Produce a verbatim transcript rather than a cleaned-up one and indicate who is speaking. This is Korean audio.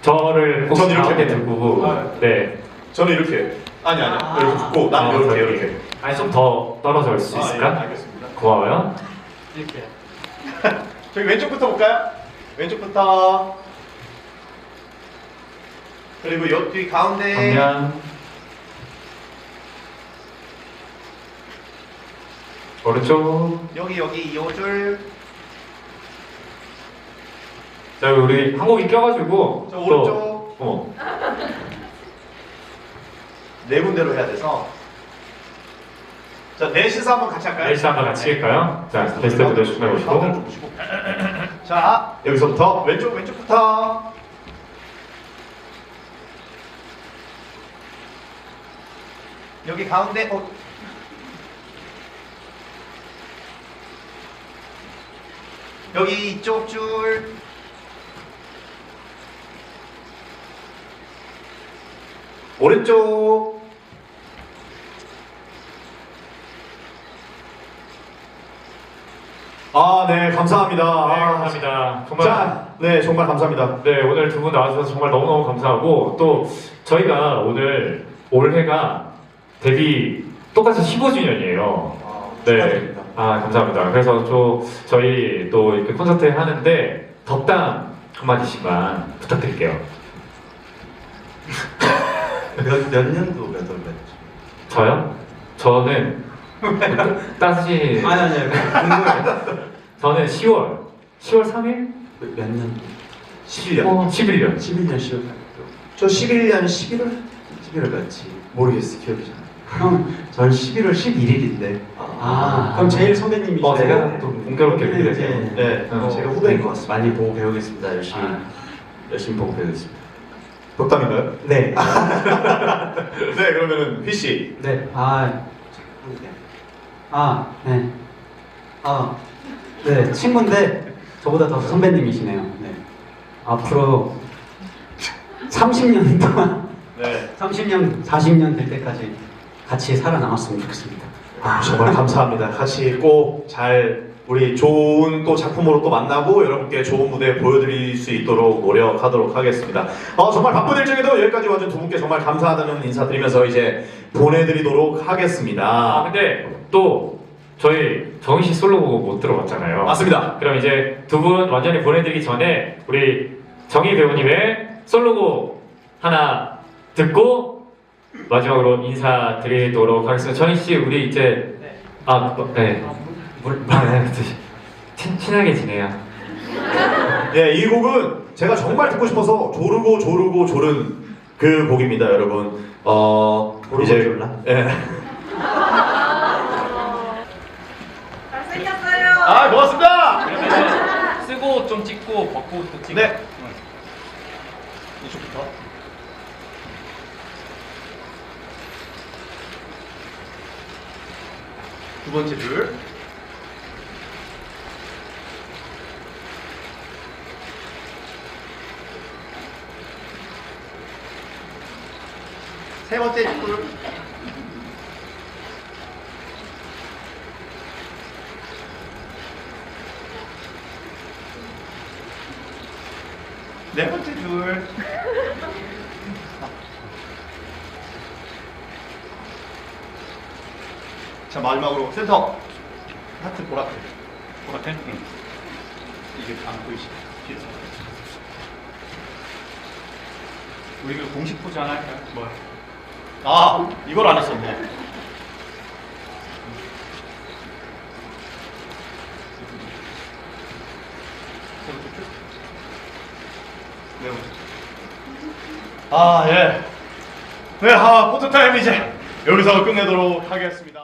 Speaker 1: 저를 꼭
Speaker 2: 전 이렇게
Speaker 1: 가운데
Speaker 2: 해요.
Speaker 1: 두고
Speaker 2: 아,
Speaker 1: 네.
Speaker 2: 저는 이렇게. 아니 아니.
Speaker 3: 아.
Speaker 2: 이렇게 붙고 난
Speaker 1: 아,
Speaker 2: 이렇게
Speaker 1: 저기.
Speaker 2: 이렇게.
Speaker 1: 아니 좀 더 떨어져 올 수
Speaker 2: 아,
Speaker 1: 있을까?
Speaker 2: 예, 알겠습니다.
Speaker 1: 고마워요.
Speaker 3: 이렇게.
Speaker 2: 저기 왼쪽부터 볼까요? 왼쪽부터. 그리고 옆뒤 가운데.
Speaker 1: 정면. 오른쪽.
Speaker 2: 여기 여기 요 줄.
Speaker 1: 자 우리 한 곡이 껴가지고
Speaker 2: 저
Speaker 1: 또
Speaker 2: 오른쪽.
Speaker 1: 어.
Speaker 2: 네 군데로 해야 돼서. 자 넷이서 한번 같이 할까요?
Speaker 1: 넷이 한번 같이 할까요? 자 베스트 무대 준비해
Speaker 2: 가운데를
Speaker 1: 보시고.
Speaker 2: 좀 보시고. 자 여기서부터 왼쪽 왼쪽부터. 여기 가운데. 어. 여기 이쪽 줄. 오른쪽. 아, 네, 감사합니다.
Speaker 1: 네,
Speaker 2: 아,
Speaker 1: 감사합니다. 정말
Speaker 2: 자, 네, 정말 감사합니다.
Speaker 1: 네 오늘 두 분 나와주셔서 정말 너무너무 감사하고 또 저희가 오늘 올해가 데뷔 똑같이 십오 주년이에요.
Speaker 2: 아,
Speaker 1: 네.
Speaker 2: 축하드립니다.
Speaker 1: 아 감사합니다. 그래서 또 저희 또 이렇게 콘서트 하는데 덕담 한마디씩만 부탁드릴게요.
Speaker 4: 몇, 몇 년도 몇 월 몇?
Speaker 1: 저요? 저는 따지
Speaker 4: 아니 아니 궁금해.
Speaker 1: 저는 시월 시월 삼 일?
Speaker 4: 몇, 몇 년?
Speaker 2: 십일 년.
Speaker 1: 어, 십일 년.
Speaker 4: 십일 년 시월.
Speaker 2: 저 십일 년 십일월?
Speaker 4: 십일월 며칠?
Speaker 2: 모르겠어, 기억이 잘.
Speaker 4: 형, 전 십일월 십일일인데.
Speaker 3: 아, 그럼 제일 선배님이시네요.
Speaker 1: 어, 제가 또 공교롭게
Speaker 4: 네,
Speaker 1: 이렇게 돼서.
Speaker 4: 네.
Speaker 2: 네,
Speaker 1: 어,
Speaker 2: 제가 후배인 것 같습니다.
Speaker 4: 많이 보고 배우겠습니다. 열심히
Speaker 1: 아.
Speaker 4: 열심히 보고 배우겠습니다.
Speaker 2: 덕담인가요?
Speaker 4: 네.
Speaker 2: 네, 그러면은 휘 씨.
Speaker 3: 네. 아, 아, 네. 아, 네. 친구인데 저보다 더 선배님이시네요. 네. 앞으로 삼십 년 동안,
Speaker 2: 네.
Speaker 3: 삼십 년, 사십 년 될 때까지 같이 살아남았으면 좋겠습니다.
Speaker 2: 아, 정말 감사합니다. 같이 꼭 잘 우리 좋은 또 작품으로 또 만나고 여러분께 좋은 무대 보여드릴 수 있도록 노력하도록 하겠습니다. 어, 정말 바쁜 일정에도 여기까지 와준 두 분께 정말 감사하다는 인사드리면서 이제 보내드리도록
Speaker 1: 아
Speaker 2: 하겠습니다.
Speaker 1: 근데 또 저희 정희 씨 솔로곡 못 들어봤잖아요.
Speaker 2: 맞습니다.
Speaker 1: 그럼 이제 두 분 완전히 보내드리기 전에 우리 정희 배우님의 솔로곡 하나 듣고 마지막으로 인사드리도록 하겠습니다. 정희 씨 우리 이제 아 네. 물, 아, 네. 친, 친하게 지내요.
Speaker 2: 네, 이 곡은 제가 정말 듣고 싶어서 조르고 조르고 조른 그 곡입니다, 여러분. 어,
Speaker 4: 조르고
Speaker 2: 이제
Speaker 4: 졸라?
Speaker 2: 예.
Speaker 5: 잘생겼어요.
Speaker 2: 아, 고맙습니다.
Speaker 6: 쓰고 좀 찍고 벗고 또 찍고.
Speaker 2: 네. 이쪽부터. 두 번째 줄. 세 번째 줄. 네 번째 줄. 자, 마지막으로 센터. 하트 보라트.
Speaker 6: 보라텐? 응. 이게 안 보이시죠? 뒤에서. 우리 그 공식 포즈 하나 할까요? 뭐야?
Speaker 2: 아, 이걸 안 했었네. 네 번째. 아, 예. 네, 아, 포토타임 이제 여기서 끝내도록 하겠습니다.